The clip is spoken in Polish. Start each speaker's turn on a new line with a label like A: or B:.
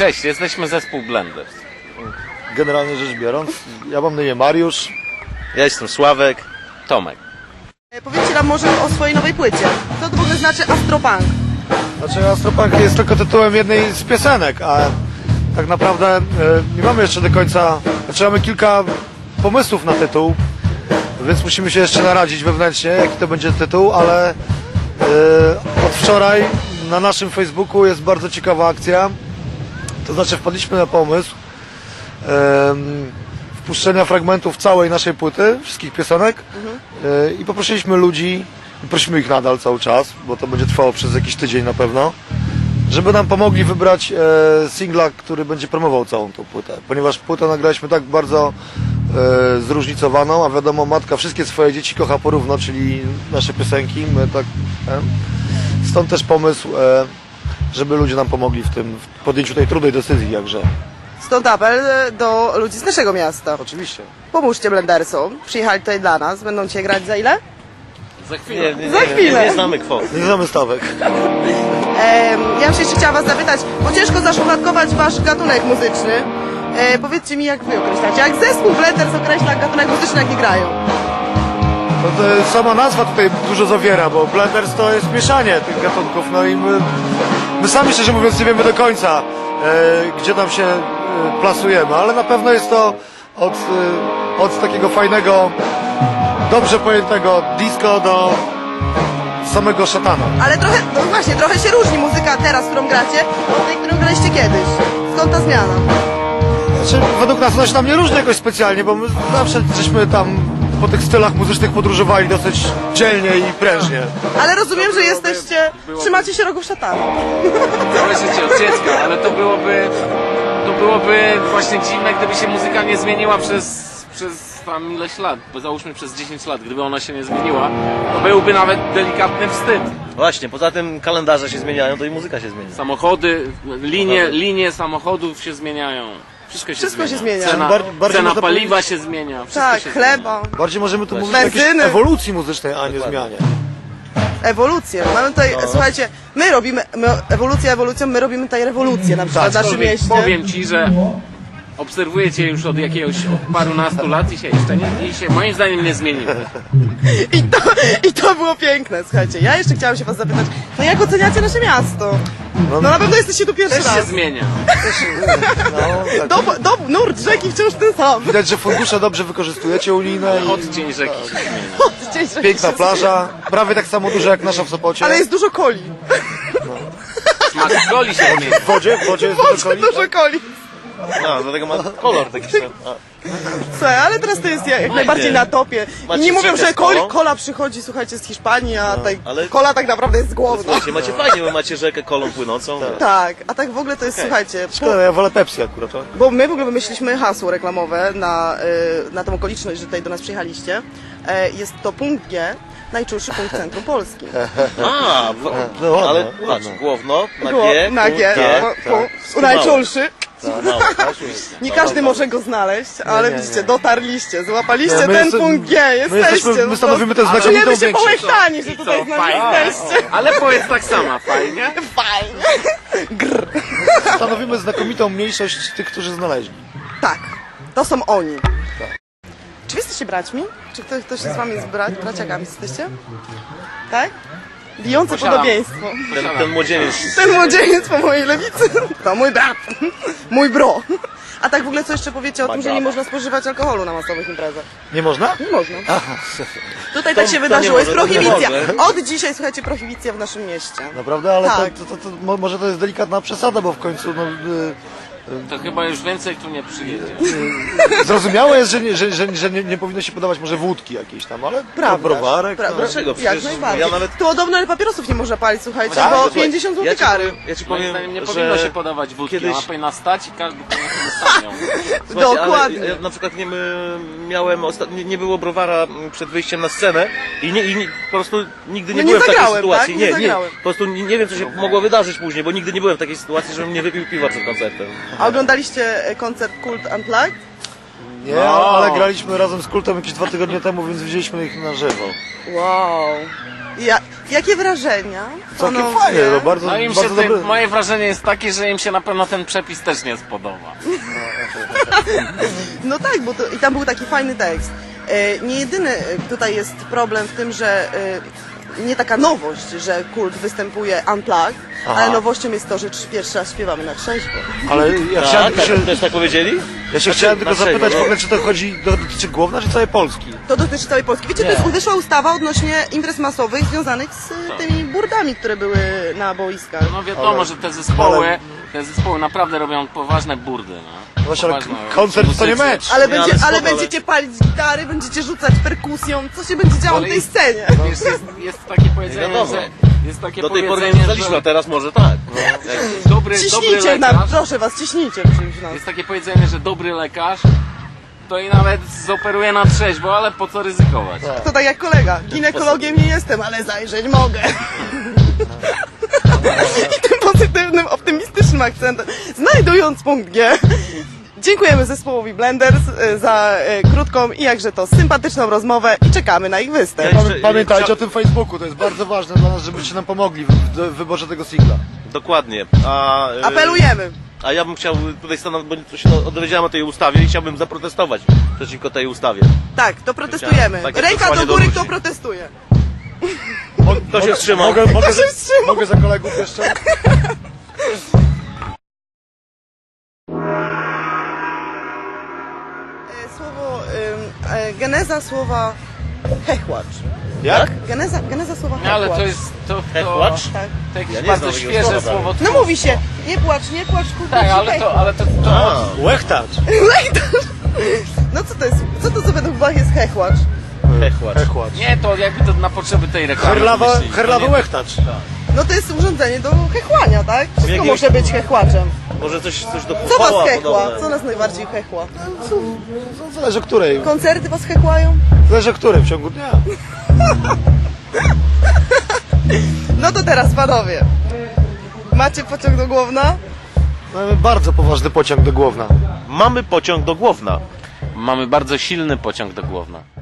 A: Cześć, jesteśmy zespół Blenders.
B: Generalnie rzecz biorąc, ja mam na imię Mariusz.
C: Ja jestem Sławek.
A: Tomek.
D: Powiedzcie nam może o swojej nowej płycie. Co to w ogóle znaczy Astropunk?
B: Znaczy Astropunk jest tylko tytułem jednej z piosenek, a tak naprawdę nie mamy jeszcze do końca, znaczy mamy kilka pomysłów na tytuł, więc musimy się jeszcze naradzić wewnętrznie, jaki to będzie tytuł, ale od wczoraj na naszym Facebooku jest bardzo ciekawa akcja, to znaczy wpadliśmy na pomysł wpuszczenia fragmentów całej naszej płyty, wszystkich piosenek i poprosiliśmy ludzi, i prosimy ich nadal cały czas, bo to będzie trwało przez jakiś tydzień na pewno, żeby nam pomogli wybrać singla, który będzie promował całą tą płytę, ponieważ płytę nagraliśmy tak bardzo zróżnicowaną, a wiadomo, matka wszystkie swoje dzieci kocha porówno, czyli nasze piosenki, my tak, stąd też pomysł, żeby ludzie nam pomogli w podjęciu tej trudnej decyzji, jakże.
D: Stąd apel do ludzi z naszego miasta.
B: Oczywiście.
D: Pomóżcie Blendersom. Przyjechali tutaj dla nas. Będą cię grać za ile?
A: Za chwilę.
D: Za chwilę.
C: Nie znamy kwot.
B: Nie znamy stawek.
D: Ja bym się jeszcze chciała was zapytać, bo ciężko zaszufladkować wasz gatunek muzyczny. Powiedzcie mi, jak wy określacie. Jak zespół Blenders określa gatunek muzyczny, jaki grają?
B: To sama nazwa tutaj dużo zawiera, bo Blenders to jest mieszanie tych gatunków, no i my sami szczerze mówiąc nie wiemy do końca, gdzie tam się plasujemy, ale na pewno jest to od takiego fajnego, dobrze pojętego disco do samego szatana.
D: Ale trochę, no właśnie, trochę się różni muzyka teraz, którą gracie, od tej, którą graliście kiedyś. Skąd ta zmiana?
B: Znaczy, według nas ona się nam nie różni jakoś specjalnie, bo my zawsze żeśmy tam po tych stylach muzycznych podróżowali dosyć dzielnie i prężnie.
D: Ale rozumiem, że jesteście, trzymacie się rogów szatana.
A: Całe życie od dziecka, ale to byłoby właśnie dziwne, gdyby się muzyka nie zmieniła przez tam ileś lat, bo załóżmy przez 10 lat, gdyby ona się nie zmieniła, to byłby nawet delikatny wstyd.
C: Właśnie, poza tym kalendarze się zmieniają, to i muzyka się zmienia.
A: Samochody, linie samochodów się zmieniają. Wszystko się zmienia.
B: Bardziej
A: Cena
B: można
A: paliwa się zmienia. Wszystko
D: Tak,
A: się
D: chleba,
B: Bardziej możemy tu mówić o jakiejś
D: benzyny.
B: ewolucji muzycznej, a nie zmianie.
D: Ewolucję. Mamy tutaj, słuchajcie, my robimy ewolucją, my robimy tutaj rewolucję na przykład w naszym mieście.
A: Powiem ci, że obserwuję cię już od parunastu lat i się jeszcze moim zdaniem nie zmieniło.
D: I to było piękne, słuchajcie. Ja jeszcze chciałam się was zapytać, to jak oceniacie nasze miasto? No na pewno jesteście tu pierwszy
A: Też się
D: raz.
A: zmienia.
B: No, tak.
D: Nurt rzeki wciąż ten sam.
B: Widać, że fundusze dobrze wykorzystujecie unijne i
A: Odcień rzeki się zmienia.
B: piękna plaża, prawie tak samo duża jak nasza w Sopocie.
D: Ale jest dużo coli.
A: Smak coli się zmienia.
B: W wodzie jest dużo coli.
D: Dużo coli.
C: No, dlatego ma kolor taki sam.
D: Słuchaj, ale teraz to jest jak najbardziej na topie. I
C: Macie
D: nie mówią,
C: rzekę
D: że
C: z kolą?
D: kola przychodzi, słuchajcie, z Hiszpanii, a
C: ale-
D: kola tak naprawdę jest z Głowna.
C: Słuchajcie, macie fajnie, bo macie rzekę kolą płynącą.
D: Tak, a tak w ogóle to jest, słuchajcie,
B: Szkoda, ja wolę Pepsi akurat. To.
D: bo my w ogóle wymyśliliśmy hasło reklamowe na tą okoliczność, że tutaj do nas przyjechaliście. Jest to punkt G, najczulszy punkt centrum Polski.
C: A,
B: No ładne,
C: ale
B: ładne.
C: patrz, główno, na G,
D: Na G, najczulszy. Nie każdy może go znaleźć, ale
B: nie,
D: widzicie,
B: nie.
D: dotarliście, złapaliście
B: Nie, my
D: ten
B: jesteśmy-
D: punkt G, jesteście.
B: My stanowimy ten znakomitą
D: Czujemy się
B: większość.
D: połechtani, że
A: I
D: tutaj
A: co,
D: z nami
A: fajnie?
D: jesteście.
A: Ale powiedz tak sama, fajnie?
D: Fajnie.
B: Stanowimy znakomitą mniejszość tych, którzy znaleźli.
D: Tak, to są oni. Czy wy jesteście braćmi? Czy ktoś z wami jest braciakami jesteście? Tak? Bijące
A: Posiadam.
D: podobieństwo.
C: ten młodzieniec.
D: Ten młodzieniec po mojej lewicy to mój brat, mój bro. A tak w ogóle co jeszcze powiecie o tym, że nie można spożywać alkoholu na masowych imprezach?
B: Nie można?
D: Nie można.
B: Aha,
D: Tutaj tak się
C: to
D: wydarzyło,
C: nie
D: jest
C: może, to nie
D: prohibicja.
C: może.
D: Od dzisiaj, słuchajcie, prohibicja w naszym mieście.
B: naprawdę, ale
D: Tak.
B: może to jest delikatna przesada, bo w końcu
A: To chyba już więcej tu nie przyjedzie.
B: zrozumiałe jest, że nie powinno się podawać może wódki jakiejś tam, ale browarek.
D: Prawda.
C: Dlaczego?
D: Jak
C: Przecież
D: najbardziej.
C: ja nawet-
D: Tu podobno ale papierosów nie można palić, słuchajcie,
B: Tak?
D: bo
B: Słuchaj,
D: 50 zł kary.
C: Ja ci
A: Moim
C: powiem,
A: zdaniem nie
C: że
A: powinno się podawać wódki,
C: kiedyś-
A: ona powinna stać i każdy powinien sam ją.
C: Słuchajcie,
D: Dokładnie.
C: ale ja na przykład miałem nie było browara przed wyjściem na scenę i po prostu nigdy nie
D: No nie
C: byłem w takiej
D: zagrałem,
C: sytuacji.
D: tak? Nie zagrałem.
C: Po prostu nie wiem, co się mogło wydarzyć później, bo nigdy nie byłem w takiej sytuacji, żebym nie wypił piwa przed koncertem.
D: A oglądaliście koncert Cult Unplugged?
B: Nie,
A: No.
B: ale graliśmy razem z Kultem jakieś 2 tygodnie temu, więc widzieliśmy ich na żywo.
D: Wow. Jakie wrażenia?
B: Całkiem
D: panowie?
B: fajnie, no bardzo,
A: No im się
B: bardzo dobre.
A: moje wrażenie jest takie, że im się na pewno ten przepis też nie spodoba.
D: No tak, bo i tam był taki fajny tekst. Nie jedyny tutaj jest problem w tym, że nie taka nowość, że Kult występuje unplugged, ale nowością jest to, że pierwszy raz śpiewamy na trzeźwo.
B: Ale ja chciałem,
C: Tak,
B: się,
C: też tak powiedzieli?
B: ja się chciałem tylko
C: na trzeźwo,
B: zapytać
C: no.
B: w ogóle, czy to dotyczy Głowna, czy całej Polski?
D: To dotyczy całej Polski. Wiecie, to jest wyszła ustawa odnośnie imprez masowych związanych z tymi burdami, które były na boiskach.
A: No wiadomo, że te zespoły naprawdę robią poważne burdy. No.
B: Właśnie, ale
A: Poważne,
B: koncert to nie
A: muzycy.
B: mecz.
D: Ale,
C: Nie, ale
D: ale
C: spoko,
D: będziecie palić gitary, będziecie rzucać perkusją, co się będzie działo
A: Ale
D: na tej
A: jest-
D: scenie?
A: Wiesz, jest takie powiedzenie,
C: wiadomo.
A: że... Jest takie
C: Do tej pory nie
A: powiedzenie,
C: znaliśmy, a
A: że
C: teraz może tak.
A: dobry
D: Ciśnijcie nam,
A: lekarz...
D: proszę was, ciśnijcie czymś nas.
A: Jest takie powiedzenie, że dobry lekarz to i nawet zoperuje na trzeźwo, ale po co ryzykować?
D: To tak jak kolega, ginekologiem nie jestem, ale zajrzeć mogę. I tym pozytywnym, optymistycznym akcentem, znajdując punkt G, dziękujemy zespołowi Blenders za krótką i jakże to sympatyczną rozmowę i czekamy na ich występ.
C: Ja jeszcze-
B: Pamiętajcie o tym Facebooku, to jest bardzo ważne dla nas, żebyście nam pomogli w wyborze tego singla.
C: Dokładnie.
D: Apelujemy.
C: A ja bym chciał tutaj stanąć, bo się dowiedziałem o tej ustawie i chciałbym zaprotestować przeciwko tej ustawie.
D: Tak, to protestujemy.
C: Takie
D: Ręka do
C: przesłanie do
D: góry,
C: ludzi.
D: kto protestuje.
C: Kto się wstrzymał?
B: Mogę za kolegów jeszcze?
D: Słowo, geneza słowa hechłacz.
B: Jak?
D: Geneza słowa
A: No, ale
D: hechłacz.
A: to jest...
C: Hechłacz?
D: Tak.
A: To jakieś
C: Ja nie
A: bardzo
C: znam takiego
A: świeże
C: słowa.
A: słowo.
D: No mówi się, nie płacz, kurwa,
A: Tak, ale to
B: Łechtacz.
D: No co to jest, co to co według was jest hechłacz?
C: Hechłacz.
A: nie, to jakby to na potrzeby tej reklamy wymyślili. To
B: Herlawa
A: nie-
B: łechtacz.
D: No to jest urządzenie do hechłania, tak? Wszystko
C: Jakiegoś-
D: może być hechłaczem.
C: Może coś do
D: Co was
C: koła
D: hechła?
C: podobne.
D: Co nas najbardziej hechła?
B: Zależy o której.
D: Koncerty was hechłają?
B: Zależy o której w ciągu dnia.
D: No to teraz panowie. Macie pociąg do Głowna?
B: Mamy bardzo poważny pociąg do Głowna.
C: Mamy pociąg do Głowna.
A: Mamy bardzo silny pociąg do Głowna.